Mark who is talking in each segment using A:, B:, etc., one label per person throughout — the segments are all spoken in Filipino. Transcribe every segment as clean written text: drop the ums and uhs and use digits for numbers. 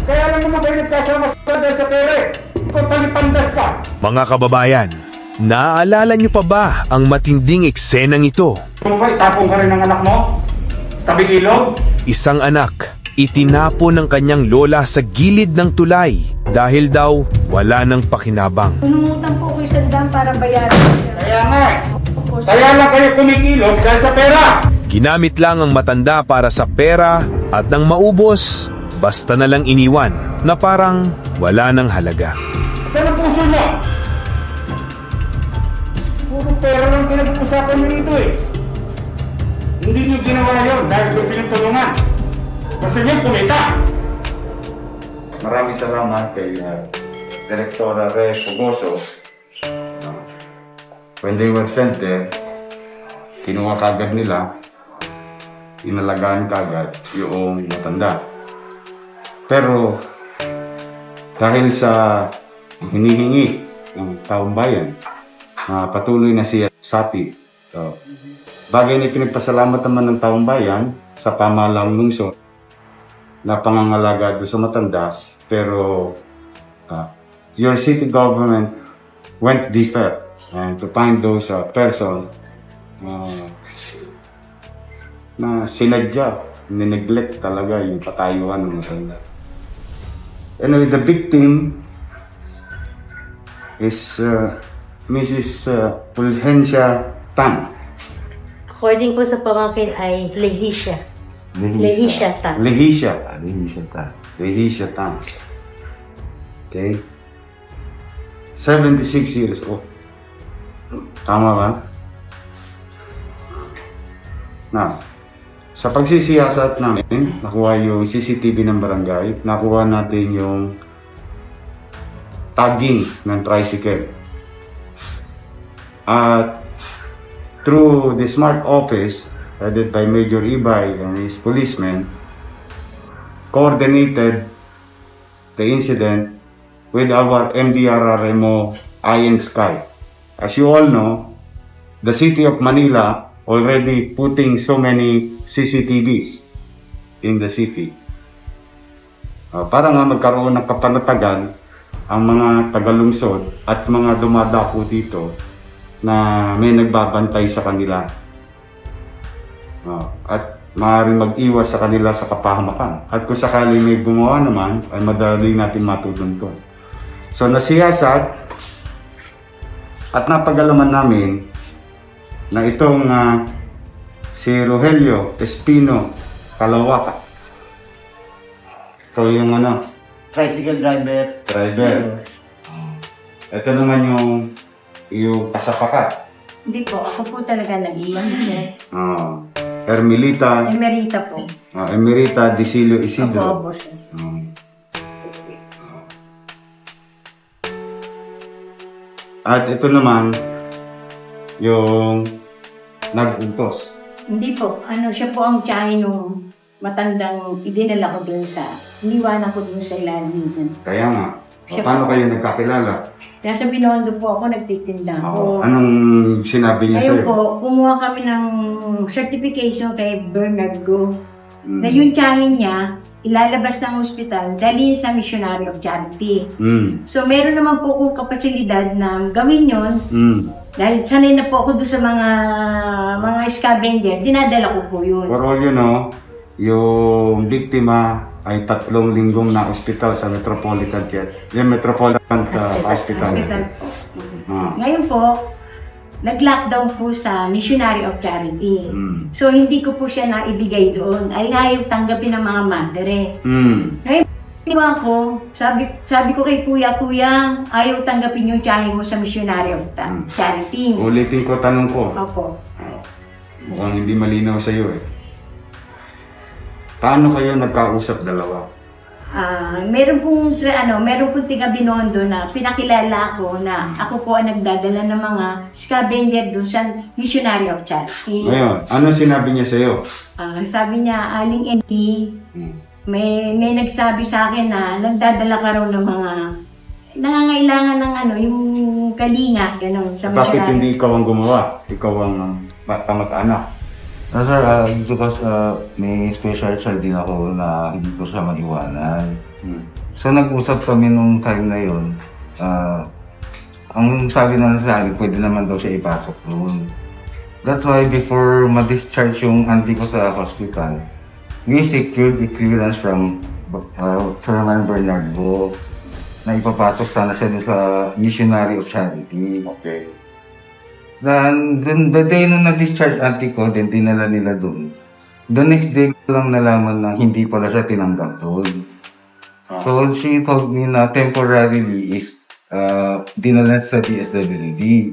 A: Kaya lang naman kayo nagkasama dahil sa pera eh. Ikaw talipandas ka.
B: Mga kababayan, naaalala niyo pa ba ang matinding eksenang ito?
A: Kung ba, itapong ka rin ng anak mo? Tabing ilog?
B: Isang anak, itinapon ng kanyang lola sa gilid ng tulay dahil daw wala nang pakinabang.
C: Umutang po ko isang daan para bayaran.
A: Kaya nga eh. Kaya lang kayo kumikilos dahil sa pera.
B: Ginamit lang ang matanda para sa pera at nang maubos, basta na lang iniwan na parang wala nang halaga.
A: Saan ang puso niya? Puro pera lang pinag-uusapan niyo dito eh. Hindi niyo ginawa yun dahil gusto niyo tulungan. Gusto niyo kumita. Maraming salamat kay Direktora Reyes Pugoso. When they were sent there, kinuha kagad nila, inalagaan kagad yung matanda. Pero dahil sa hinihingi ng taong bayan, patuloy na siya sapi. So, bagay na pinagpasalamat naman ng taong bayan sa pamahalang lungsod na pangangalaga doon sa matanda, pero your city government went deeper and to find those person na sinadya, nineglect talaga yung patayuan ng matanda. Anyway, the victim is Mrs. Fulgencia Tan.
C: According po sa pamangkin ay Lehisha. Lehisha Tan.
A: Lehisha.
D: Lehisha Tan.
A: Lehisha Tan. Okay? 76 years old. Tama ba? Now, sa pagsisiyasat namin, nakuha yung CCTV ng barangay, nakuha natin yung tagging ng tricycle. At through the smart office, headed by Major Ibay and his policemen, coordinated the incident with our MDRRMO Iron Sky. As you all know, the city of Manila already putting so many CCTVs in the city. Para nga magkaroon ng kapanatagan ang mga tagalungsod at mga dumadapo dito na may nagbabantay sa kanila. At maaaring mag-iwas sa kanila sa kapahamakan. At kung sakaling may gumawa naman, ay madali natin matutuntun. So nasiyasat at napagalaman namin na itong si Rogelio Espino Calawaka. Ito yung
D: Tricycle driver.
A: driver. Ito naman yung kasapakat.
C: Hindi po, ako po talaga nag-iwan niya.
A: Ermilita,
C: Emerita po.
A: Emerita Dicilio
C: Opo,
A: Isidro.
C: boss.
A: At ito naman, yung nag-utos.
C: Hindi po, siya po ang tiyahin nung matandang idinala ko dun sa, iniwanan ko dun sa ilalim.
A: Kaya nga,
C: Siya
A: paano
C: po.
A: kayo nagkakilala?
C: Nasa Binondo po ako, nagtitinda ako.
A: Anong sinabi niya
C: Ngayon
A: sa'yo?
C: po, kumuha kami ng certification kay Bernard Go.
A: Mm.
C: Na yung tiyahin niya, ilalabas ng ospital, dalhin sa Missionary of Charity.
A: Mm.
C: So, meron naman po akong kapasilidad na gawin yon.
A: Mm.
C: Dahil sanay na po ako doon sa mga scavenger, dinadala ko po yun.
A: For all you know, yung biktima ay 3 linggong na ospital sa Metropolitan Care. Yung Metropolitan Hospital.
C: Hospital po.
A: Ah.
C: Ngayon po, nag-lockdown po sa Missionary of Charity.
A: Mm.
C: So, hindi ko po siya naibigay doon. Ay ayaw tanggapin ng mga madre.
A: Mm.
C: Ngayon, diba ako, sabi ko kay kuya, ayaw tanggapin yung tiyahin mo sa Missionary of Charity.
A: Ulitin ko tanong ko.
C: Opo.
A: Mukhang hindi malinaw sa iyo eh. Paano kayo nagkausap dalawa?
C: Meron pong tiga Binondo na pinakilala ko na ako po ang nagdadala ng mga scavenger doon sa Missionary of Charity.
A: Ngayon, ano sinabi niya sa iyo?
C: Sabi niya, Aling Amy, may nagsabi sa akin na nagdadala ka raw ng mga nangangailangan ng yung kalinga, gano'n, sa
A: Bakit
C: Missionary.
A: hindi ikaw ang gumawa? Ikaw ang kamag-anak.
D: No sir, because may special sir din ako na hindi ko siya maiwanan.
E: So nag-usap kami nung time na yun. Ang sabi na sa akin, pwede naman daw siya ipasok doon. That's why before ma-discharge yung auntie ko sa hospital, we secured a clearance from Chairman Bernardo na ipapasok sana siya dun sa Missionary of Charity.
A: Okay.
E: Then, the day nung na-discharge auntie ko, then dinala nila doon. The next day ko lang nalaman na hindi pala siya tinanggap doon. So she told me na temporarily is dinala sa DSWD.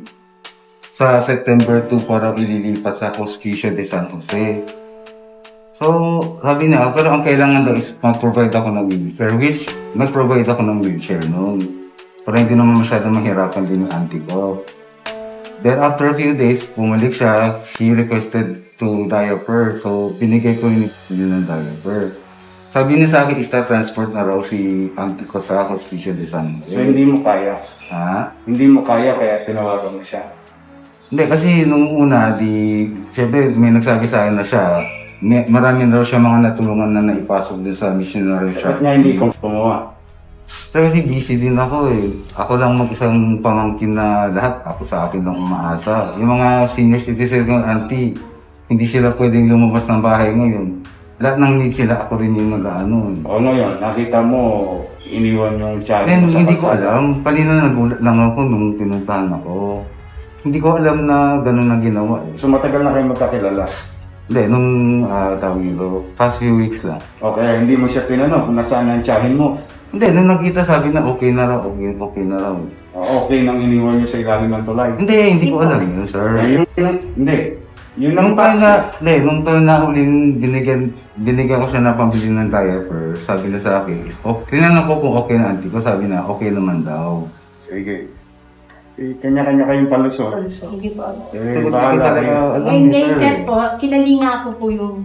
E: Sa September 2 para ililipat sa Hospicio de San Jose. So, sabi niya, pero ang kailangan daw is mag-provide ako ng wheelchair, which nag-provide ako ng wheelchair noon. Para hindi naman masyadong mahirapan din yung auntie ko. Then after a few days, bumalik siya, she requested to diaper. So, binigay ko yun ng diaper. Sabi niya sa akin, transport na raw si auntie ko sa Hospicio de San Jose.
A: So, hindi mo kaya?
E: Ha?
A: Hindi mo kaya kaya tinawagan mo siya?
E: Hindi, kasi nung una, siyempre may nagsabi sa akin na siya, marami raw siya mga natulungan na naipasok din sa missionary
A: Ba't
E: shop.
A: nga hindi ko gumawa?
E: Pero kasi busy din ako eh. Ako lang mag-isang pamangkin na lahat, ako sa akin lang umaasa. Yung mga senior citizen ng auntie, hindi sila pwedeng lumabas ng bahay ngayon. Lahat ng need sila, ako rin yung nag-ano.
A: O ngayon, nakita mo, iniwan yung child
E: Then
A: mo sa
E: hindi ko
A: kalsada.
E: alam, kanina nagulat lang ako nung pinuntahan ako. Hindi ko alam na gano'n na ginawa eh.
A: So matagal na kayo magkakilala?
E: Hindi, nung tawag nito, past few weeks lang.
A: Okay, hindi mo siya tinanong kung nasaan ang tiyahin mo.
E: Hindi, nung nakita sabi na okay na raw, okay na raw.
A: Okay nang iniwan niyo sa ilalim ng tulay.
E: Hindi ko alam yun, sir.
A: Hindi. Yun ang
E: Nung time
A: taxi.
E: nung time na huling binigyan ko siya na pambili ng diaper, sabi na sa akin, tinanong ko kung okay na auntie ko, sabi na okay naman daw.
A: Sige. Kanya-kanya kayong palusot.
C: Hindi po.
A: Bahala kayo.
C: Ngayon, sir po, kinalinga ko po yung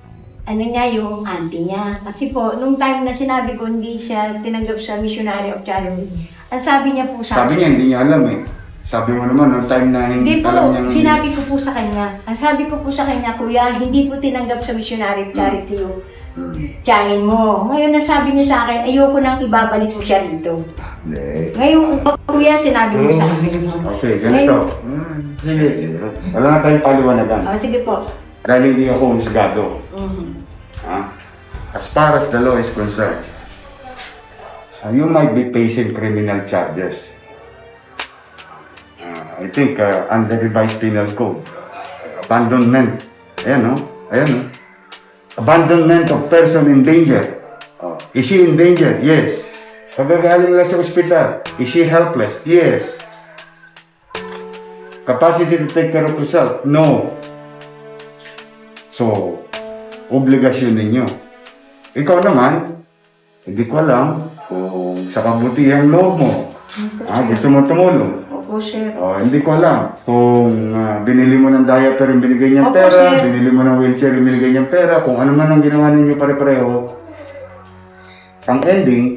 C: yung auntie niya. Kasi po, nung time na sinabi ko hindi siya tinanggap sa Missionary of Charity, ang sabi niya po sa
A: Sabi niya, hindi niya alam eh. Sabi mo naman, nung time na
C: Hindi
A: hindi
C: po,
A: alam niya.
C: sinabi ko po sa kanya. Ang sabi ko po sa kanya, kuya, hindi po tinanggap sa Missionary of Charity yung tiyahin mo. Ngayon, nasabi niya sa akin, ayoko nang ibabalik mo siya rito.
E: Hindi.
C: Ngayon, kuya, sinabi mo sa akin.
A: Okay, ganito. Sige. Wala na tayong paliwanagan.
C: Oh, sige po.
A: Dahil hindi ako husgado.
C: Mhm.
A: As far as the law is concerned, you might be facing criminal charges. I think under revised penal code, abandonment. Ayan, no? Ayan, no? Abandonment of person in danger. Is she in danger? Yes. Pagkagaling lang sa ospital, is she helpless? Yes. Capacity to take care of herself? No. So, obligasyon ninyo. Ikaw naman, hindi ko alam kung sa kabutihang loob mo, gusto mo tumulong.
C: Opo, sir.
A: Hindi ko alam kung binili mo ng diaper yung binigay niyang
C: Opo,
A: pera,
C: sir.
A: binili mo ng wheelchair yung binigay niyang pera, kung ano man ang ginawa ninyo pare-pareho. Ang ending,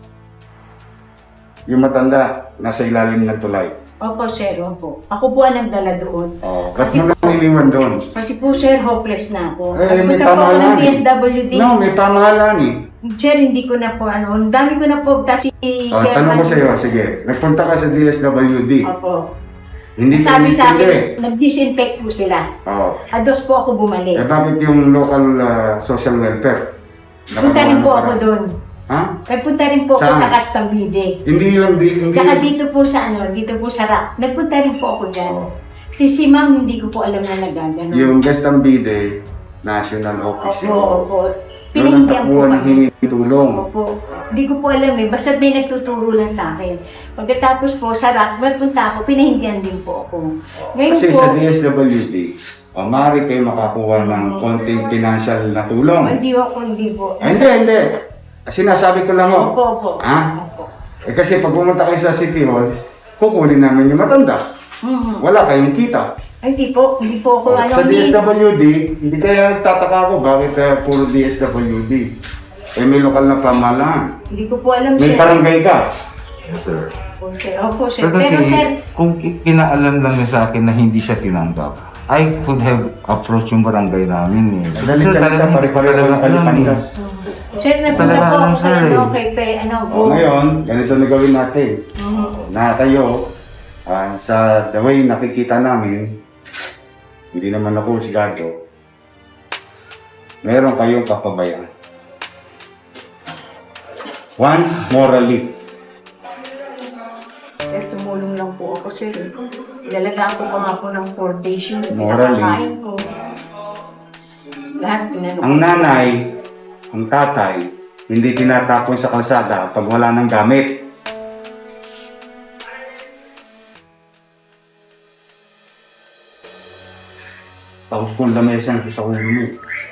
A: yung matanda nasa ilalim ng tulay.
C: Opo, sir. Opo. Ako po ang nagdala doon.
A: Ba't mo lang iniwan doon?
C: Kasi po, sir, hopeless na ako.
A: May
C: Nagpunta po ako ng
A: pamahalaan eh.
C: DSWD.
A: No, may pamahalaan eh.
C: Sir, hindi ko na po ang dami ko na po, kasi
A: Tanong ko sa iyo, sige. Nagpunta ka sa DSWD.
C: Opo.
A: Hindi ka
C: Sabi sa
A: intindi.
C: akin, nag-disinfect po sila. Ados po ako bumalik.
A: Bakit yung local social welfare?
C: Punta rin po ako doon.
A: Ha?
C: Nagpunta rin po ako
A: Saan?
C: sa Castambide.
A: Hindi yun, hindi.
C: Tsaka dito po sa dito po sa RAC. Nagpunta rin po ako dyan. Kasi si ma'am, hindi ko po alam na nagagano.
A: Yung Gastambide, national office
C: Opo,
A: yun.
C: opo.
A: Doon ang
C: Pinahindihan po
A: takbuhan ng
C: kami.
A: hingi tulong.
C: Opo. Hindi ko po alam eh. Basta may nagtuturo lang sa akin. Pagkatapos po sa RAC, magpunta ako, pinahindihan din po ako. Ngayon
A: Kasi
C: po,
A: sa DSWD, maaari kayo makakuha ng konting financial na tulong.
C: hindi po.
A: Hindi. Sinasabi ko lang
C: Opo, opo.
A: Ha?
C: Opo.
A: Kasi pag pumunta kayo sa City Hall, kukunin namin yung matanda.
C: Mhm.
A: Wala kayong kita.
C: Ay, hindi po ako
A: Sa DSWD, hindi kaya tataka ko bakit puro DSWD. May lokal na pamahalaan.
C: Hindi ko po alam,
A: May
C: sir.
A: barangay ka.
E: Yes, sir.
C: Opo, sir. Opo, sir.
E: Pero
C: Pero,
E: kasi,
C: sir,
E: kung pinaalam lang niya sa akin na hindi siya tinanggap, I could have approached yung barangay namin eh.
A: Dali
E: Sir,
A: sa
E: talagang
A: pare-pareho ng
E: alam eh.
A: Kalipandas.
C: Sir, nagpunta
E: Talaga
C: po
E: alam,
C: ako
E: sir,
C: kay,
E: eh.
C: kay go.
A: O ngayon, ganito na gawin natin. Na kayo, sa the way nakikita namin, hindi naman ako sigado, meron kayong kapabayan. One, morally.
C: Sir, tumulong lang po ako, sir. Ilalagaan ko pa nga po ng 4 days yung
A: Morally.
C: pinakakain ko. Lahat pinanong.
A: Ang nanay, ang tatay, hindi tinatapon sa kalsada pag wala ng gamit. Tapos kung lamesa nito sa ulo mo.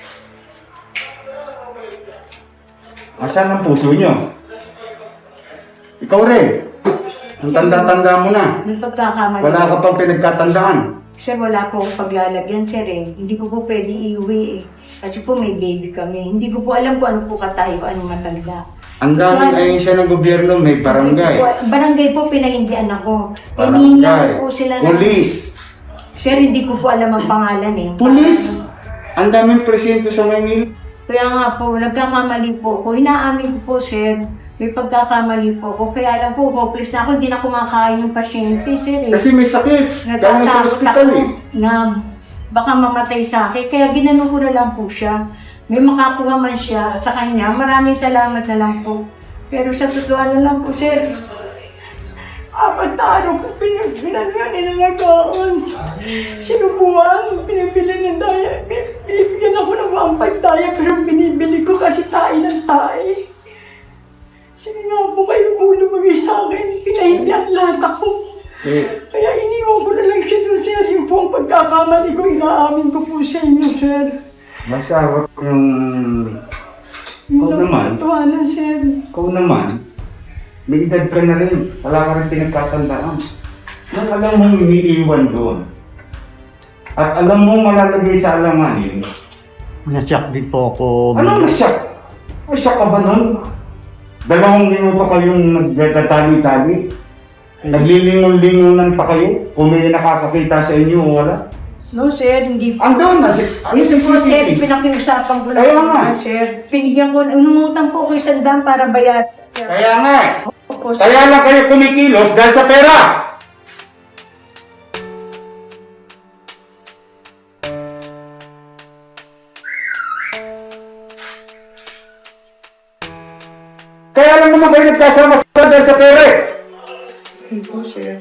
A: Asan ang puso nyo? Ikaw rin. Ang tanda-tanda mo na.
C: May pagkakamali.
A: Wala ka pang pinagkatandaan.
C: Sir, wala po akong paglalagyan, sir eh. Hindi ko po pwede iuwi eh. Kasi po may baby kami. Hindi ko po alam kung ano po katayo, anong matanda.
A: Ang daming ahensya ng gobyerno, may barangay.
C: Barangay po, pinahindian ako.
A: Barangay.
C: Hinihingihan ko po sila ng...
A: Police.
C: Sir, hindi ko po alam ang pangalan eh.
A: Police. Ang daming presinto sa Maynila.
C: Kaya nga po, nagkakamali po ako. Inaamin ko po, sir. May pagkakamali po ako. Kaya alam po, hopeless na ako. Hindi na kumakain yung pasyente, sir eh.
A: Kasi may sakit. Dahil sa
C: Natatakot
A: ospital
C: ako
A: eh.
C: na baka mamatay sa akin. Kaya ginano ko na lang po siya. May makakuha man siya sa kanya. Maraming salamat na lang po. Pero sa totoo na lang po, sir. 4 na araw ko pinagalagaan. Sinubuan, pinabili ng daya. Binibigyan ako ng 1.5 daya pero binibili ko kasi tayo ng tayo. Sige nga po kayo po lumagay sa akin. Pinahindihan lahat ako. Kaya iniwan ko na lang siya doon, sir. Yung po ang pagkakamali ko, inaamin ko po sa inyo, sir.
A: Masarap yung... Ikaw naman.
C: Tuwanan, sir.
A: Ikaw naman. May edad ka na rin. Wala ka rin pinagkatandaan. Nang alam mong iniiwan doon. At alam mong malalagay sa alanganin.
D: Nasyak din po ako.
A: Anong nasyak? Nasyak ka ba nun? 2 minuto kayong nagtatali-tali. Naglilingon-lingonan pa kayo. Kung may nakakakita sa inyo o wala.
C: No, sir, hindi po.
A: Andun! Ano
C: Hindi
A: si
C: po, sir,
A: CCTV?
C: pinakiusapan ko lang.
A: Kaya nga.
C: Sir, pinigyan ko, umutang po ko 100 para bayaran. Sir.
A: Kaya nga!
C: Opo, sir.
A: Kaya lang kayo kumikilos dahil sa pera! Kaya lang naman kayo nagkasama sa dahil sa pera eh!
C: Hindi po, sir.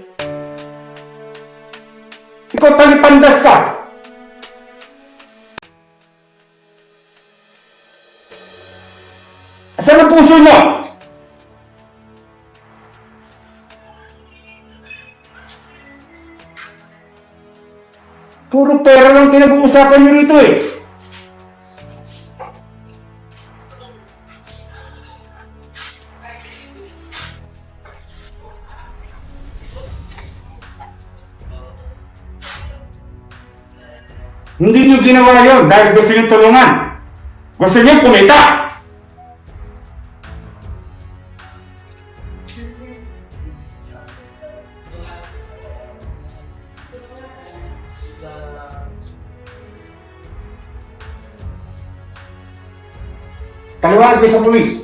A: Ikaw talipandas ka! Asan ang puso niyo? Puro pera lang pinag-uusapan niyo rito eh. Hindi niyo ginawa yun dahil gusto niyo tulungan. Gusto niyo kumita. Kaliwanag kayo sa pulis.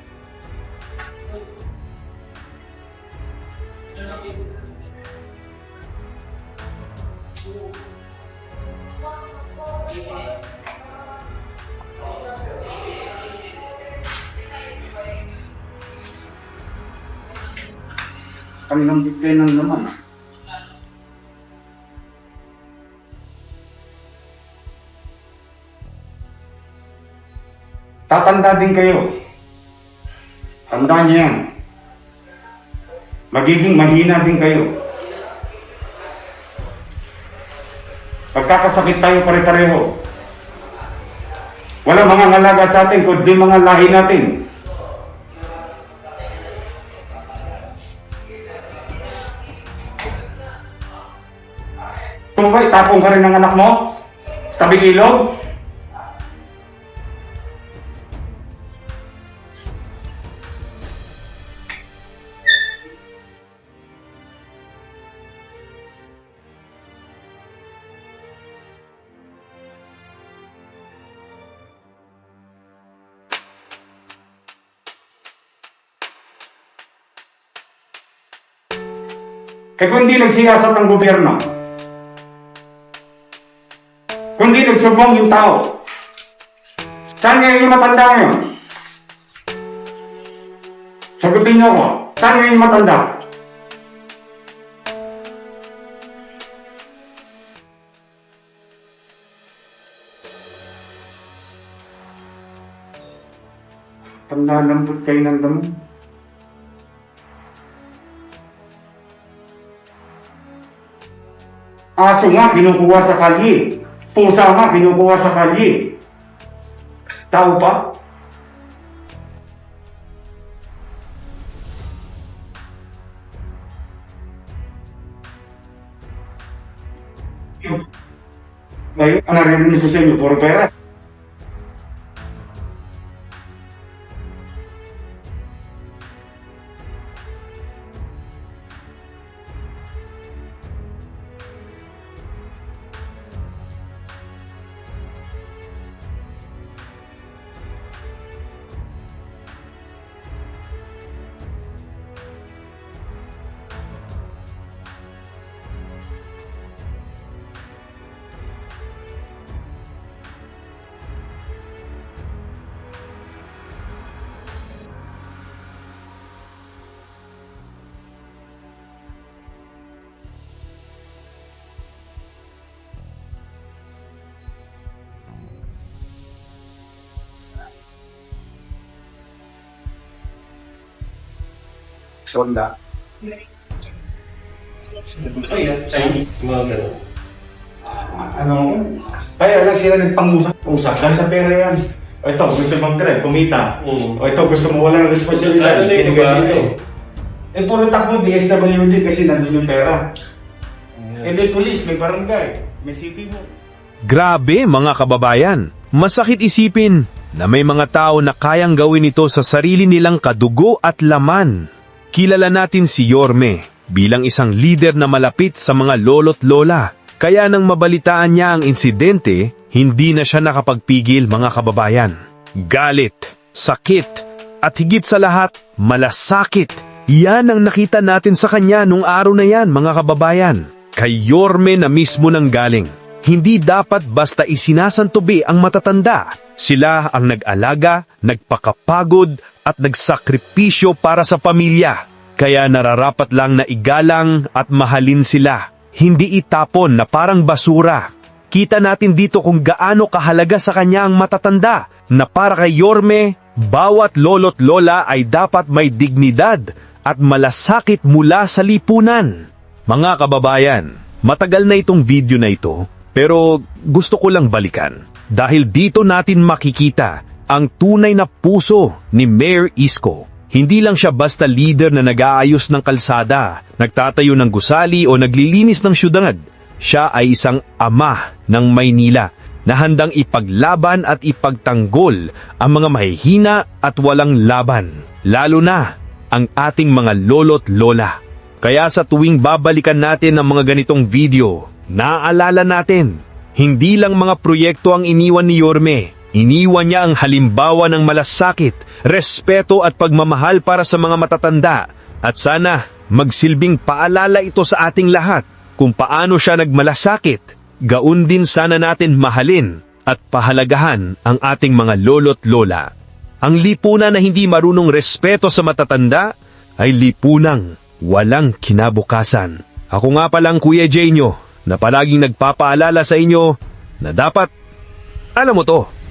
A: Kanilang bigay ng laman. Tatanda din kayo. Tandaan niyo yan. Magiging mahina din kayo. Pagkakasakit tayo pare-pareho. Walang mga ngalaga sa atin, kundi mga lahi natin. Kung ba, itapong ka rin ng anak mo? Sa tabing ilog? Kaya kung hindi nagsiyasat ng gobyerno, kung hindi nagsumbong yung tao, saan ngayon yung matanda ngayon? Sagutin niyo ako, saan ngayon yung matanda? Tanda lambot kayo ng damo. Aso nga, kinukuha sa kalye. Pusa nga, kinukuha sa kalye. Tao pa? Ngayon, ang narinig sa inyo, puro pera. Sonda. Ano? Kaya lang sila nagpang-usap dahil sa pera yan. O ito, gusto mag-grab, kumita. O ito, gusto mo walang responsibilidad. Tinigyan dito. Eh, puro takbo, DSWD kasi nandun yung pera. Eh, may police, may barangay, may city hall.
B: Grabe mga kababayan, masakit isipin na may mga tao na kayang gawin ito sa sarili nilang kadugo at laman. Kilala natin si Yorme bilang isang leader na malapit sa mga lolo't lola. Kaya nang mabalitaan niya ang insidente, hindi na siya nakapagpigil mga kababayan. Galit, sakit, at higit sa lahat, malasakit. Yan ang nakita natin sa kanya nung araw na yan mga kababayan. Kay Yorme na mismo nang galing. Hindi dapat basta isinasantubi ang matatanda. Sila ang nag-alaga, nagpakapagod at nagsakripisyo para sa pamilya. Kaya nararapat lang na igalang at mahalin sila. Hindi itapon na parang basura. Kita natin dito kung gaano kahalaga sa kanya ang matatanda na para kay Yorme, bawat lolo't lola ay dapat may dignidad at malasakit mula sa lipunan. Mga kababayan, matagal na itong video na ito pero gusto ko lang balikan dahil dito natin makikita ang tunay na puso ni Mayor Isko. Hindi lang siya basta leader na nag-aayos ng kalsada, nagtatayo ng gusali o naglilinis ng syudad. Siya ay isang ama ng Maynila na handang ipaglaban at ipagtanggol ang mga mahihina at walang laban, lalo na ang ating mga lolo't lola. Kaya sa tuwing babalikan natin ang mga ganitong video, naaalala natin, hindi lang mga proyekto ang iniwan ni Yorme. Iniwan niya ang halimbawa ng malasakit, respeto at pagmamahal para sa mga matatanda. At sana magsilbing paalala ito sa ating lahat kung paano siya nagmalasakit. Gaun din sana natin mahalin at pahalagahan ang ating mga lolo't lola. Ang lipunan na hindi marunong respeto sa matatanda ay lipunang walang kinabukasan. Ako nga palang Kuya Jay nyo na palaging nagpapaalala sa inyo na dapat, alam mo to,